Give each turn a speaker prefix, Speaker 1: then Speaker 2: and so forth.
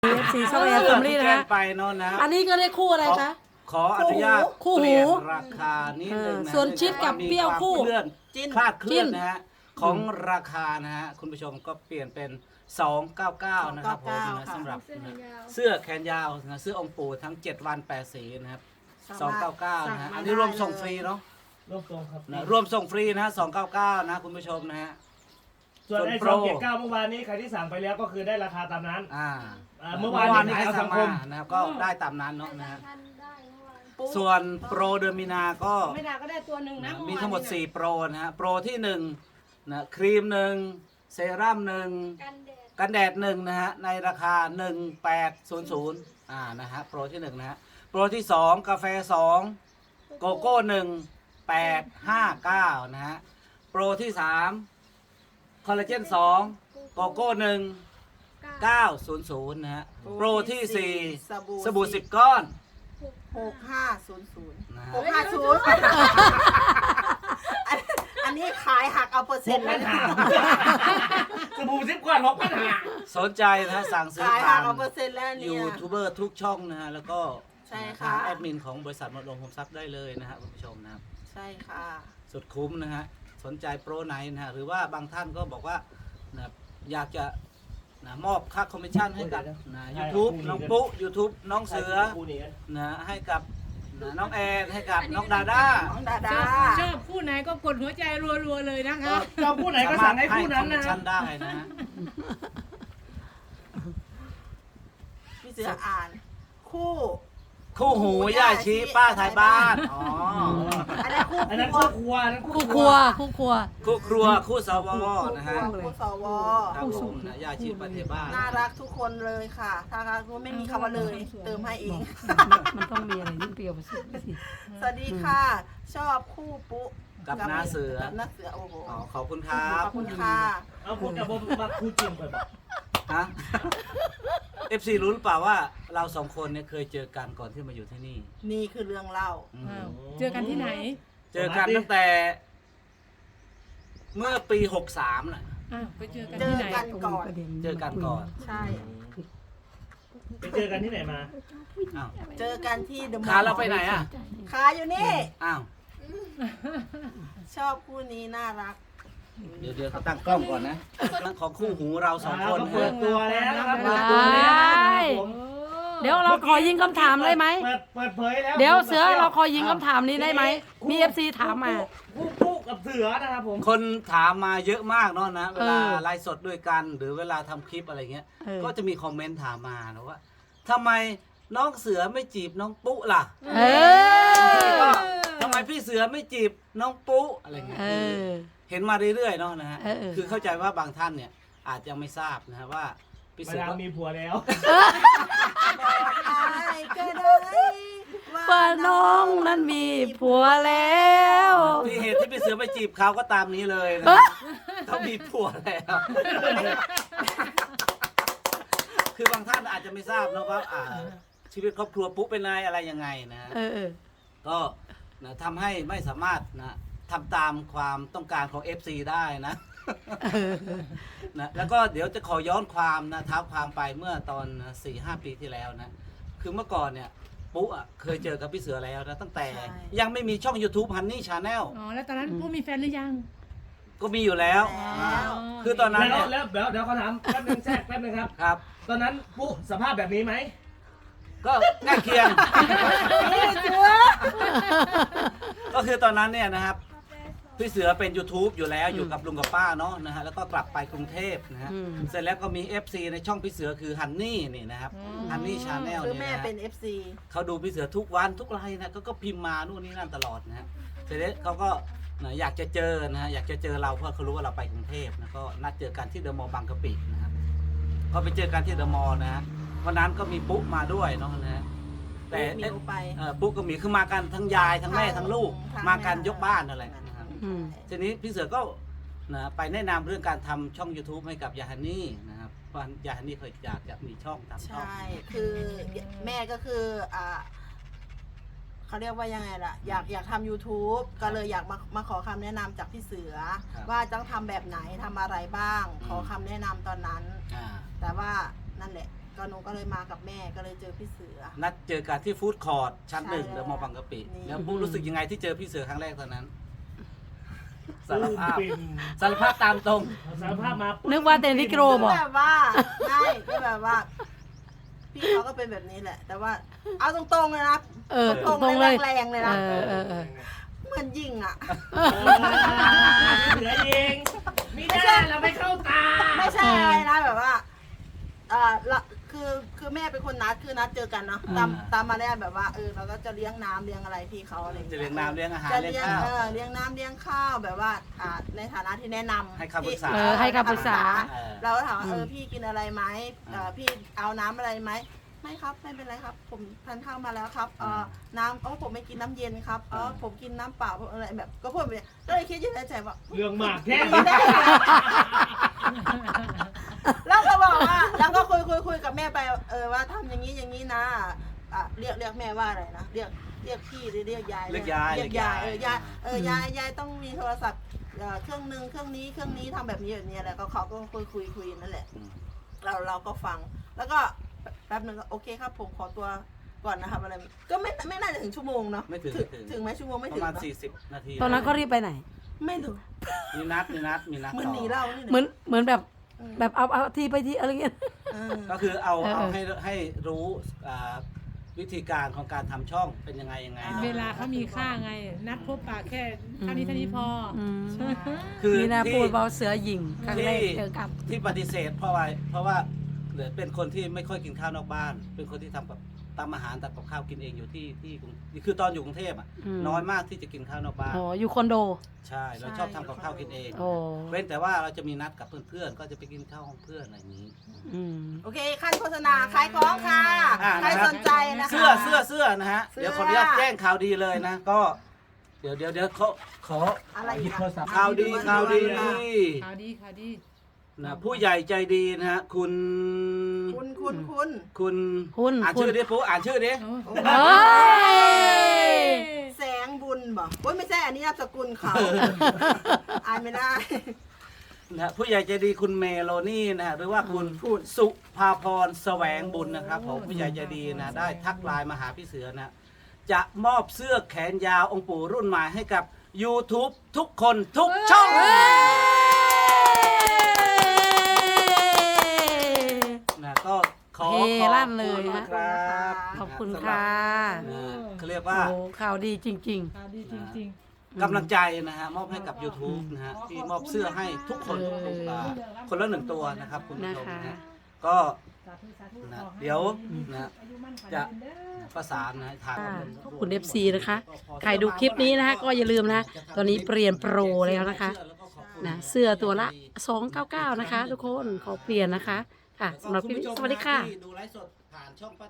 Speaker 1: FC ช่องแอนฟมิลี่นะฮะ
Speaker 2: ไปโน่นนะ
Speaker 1: อันนี้ก็ได้คู่อะไรคะ
Speaker 2: ขออนุญาต
Speaker 1: คู่หู
Speaker 2: เปลี่ยนราคานิดนึงนะ
Speaker 1: ส่วนชิดกับเปรี้ยวคู่
Speaker 2: มีวามเคลื่อน
Speaker 3: จิ้น
Speaker 2: คลาดเคลื่อน
Speaker 1: จิ้น
Speaker 2: นะฮะของราคานะฮะคุณผู้ชมก็เปลี่ยนเป็น 299 นะครับผมนะสำหรับนะเสื้อแขนยาวนะเสื้อองค์ปู่ทั้ง 7 วัน 8 สีนะครับ299 นะฮะอันนี้รวมส่งฟรีเนาะ
Speaker 4: รวบตรงครับ
Speaker 2: นะรวมส่งฟรีนะฮะ299 นะคุณผู้ชมนะฮะ
Speaker 4: ส่วนไอ้
Speaker 2: ส่วนโปร
Speaker 4: 279เมื่อวานนี้ใครที่สั่งไปแล้วก็คือได้ราคาตามนั้น เมื่
Speaker 2: เมื่
Speaker 4: อ
Speaker 2: อ
Speaker 4: วาน
Speaker 2: วาน
Speaker 4: นี้
Speaker 2: นี้
Speaker 4: ขาย
Speaker 2: ให้
Speaker 4: เอา
Speaker 2: สั่
Speaker 4: สั
Speaker 2: ง
Speaker 4: งค
Speaker 2: มาม นะครับก็ได้ตามนั้นเนาะนะฮะ ส่วนโปรเดือนมีนาก็
Speaker 5: ไม่ได้ก็ได้ตัวหนึ่งนะ
Speaker 2: มีทั้งหมด 4 โปรนะฮะ โปรที่1นะครีม1เซรั่ม1กันแดด1นะฮะในราคา 1800นะฮะโปรที่1นะฮะโปรที่2กาแฟ2โกโก้1859นะฮะโปรที่3คอลลาเจน2โกโก้1900นะฮะโปรที่4สบู่10 ก้อน
Speaker 3: 6500
Speaker 2: นะฮะ
Speaker 3: 650อันนี้ขายหักเอาเปอร์เซ็นต์แล้วนะ
Speaker 4: สบู่10 กว่า6,500
Speaker 2: สนใจนะฮะสั่งซื้อ
Speaker 3: ขาย
Speaker 2: ผ่า
Speaker 3: หัก
Speaker 2: น
Speaker 3: เอาเปอร์เซ็นต์แล้วเนี่ย
Speaker 2: ยูทูบเบอร์ทุกช่องนะฮะแล้วก็
Speaker 3: ใช่ค่ะ
Speaker 2: ทางแอดมินของบริษัทมรดกโฮมทรัพย์ได้เลยนะฮะคุณผู้ชมนะครับ
Speaker 3: ใช่ค่ะ
Speaker 2: สุดคุ้มนะฮะสนใจโปรไหนนะฮะหรือว่าบางท่านก็บอกว่านะอยากจะนะมอบค่าคอมมิชชั่นให้กับนะยูทูบน้องปุ๊ยูทูบน้องเสือนะให้กับนะน้องแอนให้กับน้องดาด้า
Speaker 3: น้องดาดา
Speaker 5: ชอบคู่ไหนก็กดหัวใจรัวๆเลยนะคะ
Speaker 4: จอมผู้ไหนก็สั่งให้ผู้นั้น
Speaker 2: สามารถให้คอมมิช
Speaker 4: นะ
Speaker 2: ชั่นได้นะฮะ
Speaker 3: พี่เสืออ่าน คู่
Speaker 2: คู่หูย่าชี้ป้าไทยบ้านอ๋อ
Speaker 3: อันนั้นคู่
Speaker 4: อันนั้น
Speaker 3: ครั
Speaker 4: คู่
Speaker 3: ว
Speaker 4: ครัวอันนั้น
Speaker 1: คู่ครัวคู่ครัว
Speaker 2: คู่ครัวคู่สวนะฮะ
Speaker 3: คู่สว
Speaker 2: ครับผมนะย่าชี้ป้าไทยบ้าน
Speaker 3: น่ารักทุกคนเลยค่ะถ้ารักไม่มีคำว่าเลย เติมให้เอง
Speaker 1: มันต้องมีอะไรยิ่งเปรี้ยวไปสิ
Speaker 3: สวัสดีค่ะ ชอบคู่ปุ๊
Speaker 2: กับน้าเสือ
Speaker 3: กับน้าเสือโอ้โห
Speaker 2: อ๋อขอบคุณครับ
Speaker 3: ขอบคุณค่ะ
Speaker 4: เอาพูดกับผมมาคู่จริงไปบอก
Speaker 2: ฮะ FC รู้หรือเปล่าว่าเราสองคนเนี่ยเคยเจอกันก่อนที่มาอยู่ที่นี่
Speaker 3: นี่คือเรื่องเล่า
Speaker 2: อืม
Speaker 5: อ้าวเจอกันที่ไหน
Speaker 2: เจอกันตั้งแต่เมื่อปี63น่ะ
Speaker 5: อ้าวไปเจอกัน
Speaker 3: เจ
Speaker 5: ที่
Speaker 3: อ
Speaker 5: ไหน
Speaker 3: กันก่อน
Speaker 2: เจอกันก่อน
Speaker 3: ใช่
Speaker 4: ไปเจอกันที่ไหนมา
Speaker 2: อ้าว
Speaker 3: เจอกันที่เดอะมอลล์
Speaker 2: ขาเราไปไหนอ่ะ
Speaker 3: ขาอยู่นี่
Speaker 2: อ้าว
Speaker 3: ชอบคู่นี้น่ารัก
Speaker 2: เดี๋ยวเขาตั้งกล้องก่อนนะของคู่หูเราสองคน
Speaker 4: เขา
Speaker 2: นะ
Speaker 4: เปิด
Speaker 2: ฮะ
Speaker 4: ตัวแล้วนะครับ
Speaker 1: ได้
Speaker 4: เปิดตัวแล้วนะครับผม
Speaker 1: เดี๋ยวเราขอยิงคำถามได้ไหม
Speaker 4: เปิดเผยแล้ว
Speaker 1: เดี๋ยวเสือเราขอยิงคำถามนี้ได้ไหมมี FC ถามมา
Speaker 4: คู่กับเสือนะครับผม
Speaker 2: คนถามมาเยอะมากเนาะนะเวลา
Speaker 1: เออ
Speaker 2: ไลฟ์สดด้วยกันหรือเวลาทำคลิปอะไรเงี้ย
Speaker 1: เออ
Speaker 2: ก็จะมีคอมเมนต์ถามมานะว่าทำไมน้องเสือไม่จีบน้องปุ๊ล่ะ
Speaker 1: เออ
Speaker 2: ทำไมพี่เสือไม่จีบน้องปุ๊อะไรเงี้ย
Speaker 1: เออ
Speaker 2: เห็นมาเรื่อยๆเนาะนะฮะ
Speaker 1: เออ
Speaker 2: คือเข้าใจว่าบางท่านเนี่ยอาจจะไม่ทราบนะฮะว่าพี่
Speaker 4: มา
Speaker 2: เสือ
Speaker 4: ดาม
Speaker 2: ก็
Speaker 4: มีผัวแล้ว
Speaker 3: อะไรก็ได้
Speaker 1: ว่าน้องนั้นมีผัวแล้ว
Speaker 2: ที่เหตุที่พี่เสือไปจีบเขาก็ตามนี้เลยนะ
Speaker 1: เอ้ย
Speaker 2: เขามีผัวแล้ว คือบางท่านอาจจะไม่ทราบนะว่าชีวิตครอบครัวปุ๊เป็นไงอะไรยังไงนะ
Speaker 1: เออ
Speaker 2: ก็นะทำให้ไม่สามารถนะทำตามความต้องการของ FC ได้นะ นะแล้วก็เดี๋ยวจะขอย้อนความนะเท้าความไปเมื่อตอน 4-5 ปีที่แล้วนะ คือเมื่อก่อนเนี่ยปุ๊อ่ะเคยเจอกับพี่เสือแล้วนะตั้งแต่ยังไม่มีช่อง YouTube Honey Channel
Speaker 5: อ๋อแล้วตอนนั้นผู้มีแฟนหรือยัง
Speaker 2: ก็มีอยู่แล้ว
Speaker 3: แล้ว
Speaker 2: คือตอนนั้นเนี่ย
Speaker 4: แล้วเดี๋ยวเขาถามแป๊บนึงแทรกแป๊บนึงครับ
Speaker 2: ครับ
Speaker 4: ตอนนั้นปุ๊สภาพแบบนี้ไหม
Speaker 2: ก็ใกล้เคียง ก็คือตอนนั้นเนี่ยนะครับพี่เสือเป็น YouTube อยู่แล้วอยู่กับลุงกับป้าเนาะนะฮะแล้วก็กลับไปกรุงเทพนะฮะ
Speaker 1: อืม
Speaker 2: เสร็จแล้วก็มี FC ในช่องพี่เสือคือฮันนี่นี่นะครับฮันนี่ชาแนล
Speaker 3: คือ
Speaker 2: เนี่ย
Speaker 3: แม่
Speaker 2: นะฮะ
Speaker 3: เป็น FC
Speaker 2: เขาดูพี่เสือทุกวันทุกไลน์นะก็พิมพ์มานู่นนี่นั่นตลอดนะฮะเสร็จแล้วเขาก็นะอยากจะเจอนะฮะอยากจะเจอเราเพราะเขารู้ว่าเราไปกรุงเทพนะก็นัดเจอกันที่เดอะมอลล์บางกะปินะครับก็ไปเจอกันที่เดอะมอลล์นะฮะวันนั้นก็มีปุ๊มาด้วยเนาะนะฮะแต่
Speaker 3: ปุ๊หมิวไป
Speaker 2: ปุ๊กับหมีคือมากันทั้งยายทั้งแม่ทั้งลูก
Speaker 3: ทั้ง
Speaker 2: มากัน
Speaker 3: แม่
Speaker 2: ยกบ้านนั่นแหละนะครับ
Speaker 1: อืม
Speaker 2: ทีนี้พี่เสือก็นะไปแนะนำเรื่องการทำช่อง YouTube ให้กับยาฮันนี่นะครับเพราะยาฮันนี่เคยอยากจะมีช่องทำช่อง
Speaker 3: ใช่ คือแม่ก็คือเขาเรียกว่ายังไงล่ะ อยากทำ YouTube ก็เลยอยากมาขอคำแนะนำจากพี่เสือ
Speaker 2: ครับ
Speaker 3: ว่าต้องทำแบบไหนทำอะไรบ้าง
Speaker 2: อืม
Speaker 3: ขอคำแนะนำตอนนั้น
Speaker 2: อ่า
Speaker 3: แต่ว่านั่นแหละก็หนูก็เลยมากับแม่ก็เลยเจอพี่เสือ
Speaker 2: นัดเจอกันที่ฟู้ดคอร์ทชั้น
Speaker 3: ใช่
Speaker 2: หนึ่ง
Speaker 3: แล้ว
Speaker 2: เดอะมอลล์บางกะปิ
Speaker 3: นี่
Speaker 2: แล้วพูดรู้สึกยังไงที่เจอพี่เสือครั้งแรกตอนนั้น สารภาพ
Speaker 4: ปิ่ม
Speaker 2: สารภาพตามตรง
Speaker 4: สารภาพมา
Speaker 1: นึ
Speaker 4: นึ
Speaker 1: กว่าเต้นที่โกรบ
Speaker 3: ก็
Speaker 1: อก
Speaker 3: แบบว่าใช่ก็แบบว่า พี่เขาก็เป็นแบบนี้แหละ แต่ว่าเอาตรงๆเลยนะ
Speaker 1: เออ
Speaker 3: ตรง
Speaker 1: ตรง
Speaker 3: ๆ
Speaker 1: เล
Speaker 3: เลย ยแรงๆเลยนะ
Speaker 1: เออ
Speaker 3: เหมือนยิงอ่ะ
Speaker 4: เหลือเองไม่ได้เราไม่เข้าตา
Speaker 3: ไม่ใช่อะไรนะแบบว่าละคือแม่เป็นคนนัดคือนัดเจอกันเนาะตามมาเนี่ยแบบว่าเราก็จะเลี้ยงน้ำเลี้ยงอะไรพี่เขาอะไรอาง
Speaker 2: จะ
Speaker 3: งี้
Speaker 2: เลี้ยงน้ำเลี้ยงอาหาร
Speaker 3: จะ
Speaker 2: เลี้ยง
Speaker 3: เลี้ยง
Speaker 2: ข้าว
Speaker 3: เลี้ยงน้ำเลี้ยงข้าวแบบว่าในฐานะที่แนะนำ
Speaker 2: ให้คำปรึกษา
Speaker 1: ให้คำปรึกษา
Speaker 3: เราก็ถามว่าพี่กินอะไรไหมพี่เอาน้ำอะไรไหมไม่ครับไม่เป็นไรครับ ผมทานข้าวมาแล้วครับน้ำผมไม่กินน้ำเย็นครับผมกินน้ำเปล่าอะไรแบบก็พูดไปก็เลยคิดอยู่ในใจว่า
Speaker 4: เรื่องมากแค่
Speaker 3: แล้วก็บอกว่าแล้วก็คุยกับแม่ไปว่าทำอย่างนี้อย่างนี้นะเรียกแม่ว่าอะไรนะเรียกพี่หรือเรียกยาย
Speaker 2: เรียกยาย
Speaker 3: เรียกยายยายต้องมีโทรศัพท์เครื่องนึงเครื่องนี้ทำแบบนี้อะไรก็เขาก็คุยนั่นแหละ เราก็ฟังแล้วก็แป๊บนึงก็โอเคครับผมขอตัวก่อนนะครับอะไรก็ไม่น่าจะถึงชั่วโมงเนาะ
Speaker 2: ไม่ถึง
Speaker 3: ถึงไหมชั่วโมงไม่
Speaker 2: ป
Speaker 3: ถึง
Speaker 2: ระมาณ
Speaker 3: ปะ
Speaker 2: 40 นาที
Speaker 1: ตอนนั้นก็รีบไปไหน
Speaker 3: ไม่ถึง
Speaker 2: มีนัด
Speaker 3: เหมือนหนีเรานี่
Speaker 1: เหมือนแบบเอาที่ไปที่อะไรเงี้ย
Speaker 2: ก็คือเอา
Speaker 1: เออ
Speaker 2: ให้รู้วิธีการของการทำช่องเป็นยังไงเนาะ
Speaker 5: เวลาเขามีค่าไง นัดพบปะแค่เท่านี้พอ
Speaker 2: คือ
Speaker 1: นี่นะ
Speaker 2: ที่
Speaker 1: พูดเบาเสือหญิงครั้งแรกเจอกับ
Speaker 2: ที่ปฏิเสธเพราะว่าเหลือเป็นคนที่ไม่ค่อยกินข้าวนอกบ้าน เป็นคนที่ทำอาหารทำกับข้าวกินเองอยู่ที่คือตอนอยู่กรุงเทพน้อยมากที่จะกินข้าวนอกบ้าน
Speaker 1: อ๋ออยู่คอนโด
Speaker 2: ใช่เราชอบทำกับข้าวกินเอง
Speaker 1: โอ้
Speaker 2: เว้นแต่ว่าเราจะมีนัดกับเพื่อนๆก็จะไปกินข้าวห้องเพื่อนอะไรอย่างนี้
Speaker 3: โอเคขั้นโฆษณาขายของค่ะ ใครสนใจนะคะ
Speaker 2: เสื้อนะฮะ
Speaker 3: เสื้อ
Speaker 2: เดี๋ยวขออนุญาตแจ้งข่าวดีเลยนะ ก็เดี๋ยวขอ
Speaker 3: อะไรอีก
Speaker 2: ข่าวดี
Speaker 5: ข่าวดี
Speaker 2: นะผู้ใหญ่ใจดีนะฮะคุณ
Speaker 3: คุณ
Speaker 2: อ่านชื่อดิปุ๊อ่านชื่อดิ
Speaker 1: เฮ้ย
Speaker 3: แสงบุญบอกว่าไม่ใช่อันนี้นามสกุลเขาอ่านไม่ได้
Speaker 2: นะฮะผู้ใหญ่ใจดีคุณเมโลนี่นะฮะหรือว่าคุณสุภาพรแสวงบุญนะครับผมผู้ใหญ่ใจดีนะได้ทักไลน์มาหาพี่เสือนะจะมอบเสื้อแขนยาวองค์ปู่รุ่นใหม่ให้กับ YouTube ทุกคนทุกช่องนะก็ขอ
Speaker 1: เฮลั่นเลย
Speaker 2: ขอบ
Speaker 1: ฮะ
Speaker 2: คุณครับ
Speaker 1: ขอบคุณค่ะ
Speaker 2: นะเขาเรียกว่า
Speaker 1: โอ้ข่าวดีจริง
Speaker 5: ข่าวดีจริง
Speaker 2: กำลังใจนะฮะมอบให้กับ YouTube นะฮะที่มอบเสื้อให้ทุกคนคนละ1 ตัวนะครับคุณ
Speaker 1: ๆ
Speaker 2: ผู้
Speaker 1: นะ
Speaker 2: ชม
Speaker 1: คะ
Speaker 2: นะก็ นะเดี๋ยวนะจะประสานนะให้ทาง
Speaker 1: ขอบคุณ FC นะคะ ใครดูคลิปนี้นะคะก็อย่าลืมนะ ตอนนี้เปลี่ยนโปรแล้วนะคะ นะเสื้อตัวละ 299 นะคะ ทุกคนขอเปลี่ยนนะคะ ค่ะสำหรับคลิปนี้สวัสดีค่ะ
Speaker 2: ดูไลฟ์สดผ่านช่อง